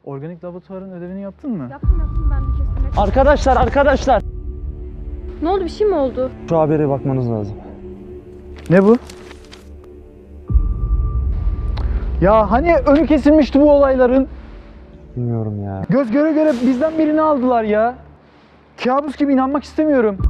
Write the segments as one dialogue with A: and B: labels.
A: Organik laboratuvarın ödevini yaptın mı?
B: Yaptım ben de kesinlikle.
C: Arkadaşlar!
B: Ne oldu, bir şey mi oldu?
C: Şu habere bakmanız lazım.
A: Ne bu? Ya hani önü kesilmişti bu olayların?
C: Bilmiyorum ya.
A: Göz göre göre bizden birini aldılar ya. Kabus gibi, inanmak istemiyorum.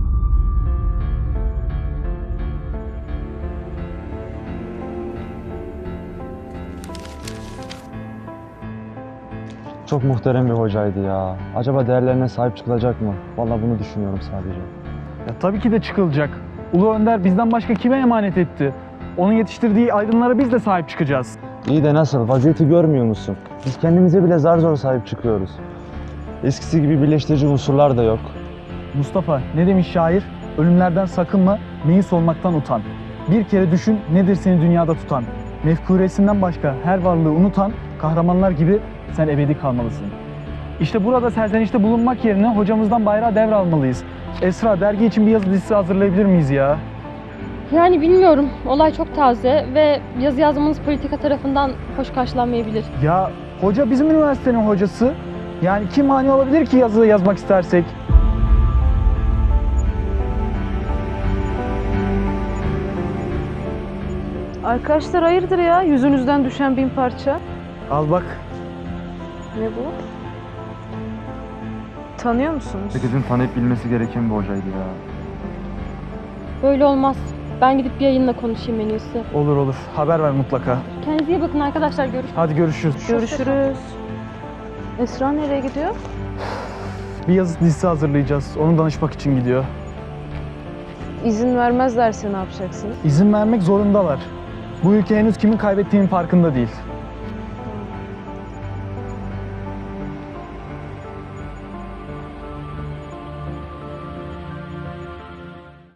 C: Çok muhterem bir hocaydı ya. Acaba değerlerine sahip çıkılacak mı? Vallahi bunu düşünüyorum sadece.
A: Ya tabii ki de çıkılacak. Ulu Önder bizden başka kime emanet etti? Onun yetiştirdiği aydınlara biz de sahip çıkacağız.
C: İyi de nasıl? Vaziyeti görmüyor musun? Biz kendimize bile zar zor sahip çıkıyoruz. Eskisi gibi birleştirici unsurlar da yok.
A: Mustafa, ne demiş şair? Ölümlerden sakınma, meyis olmaktan utan. Bir kere düşün, nedir seni dünyada tutan? Mefkuresinden başka her varlığı unutan kahramanlar gibi sen ebedi kalmalısın. İşte burada serzenişte bulunmak yerine hocamızdan bayrağı devralmalıyız. Esra, dergi için bir yazı dizisi hazırlayabilir miyiz ya?
B: Yani bilmiyorum. Olay çok taze ve yazı yazmanız politika tarafından hoş karşılanmayabilir.
A: Ya hoca bizim üniversitenin hocası. Yani kim mani olabilir ki yazı yazmak istersek?
D: Arkadaşlar hayırdır ya? Yüzünüzden düşen 1000 parça.
A: Al bak.
D: Ne bu? Tanıyor musunuz?
C: Herkesin tanıyıp bilmesi gereken bir hocaydı ya.
B: Böyle olmaz. Ben gidip bir yayınla konuşayım en iyisi.
A: Olur olur. Haber ver mutlaka.
B: Kendinize iyi bakın arkadaşlar. Görüşürüz.
A: Hadi görüşürüz.
D: Görüşürüz. Esra nereye gidiyor?
A: Bir yazı dizisi hazırlayacağız. Onu danışmak için gidiyor.
D: İzin vermezlerse ne yapacaksınız?
A: İzin vermek zorundalar. Bu ülke henüz kimin kaybettiğinin farkında değil.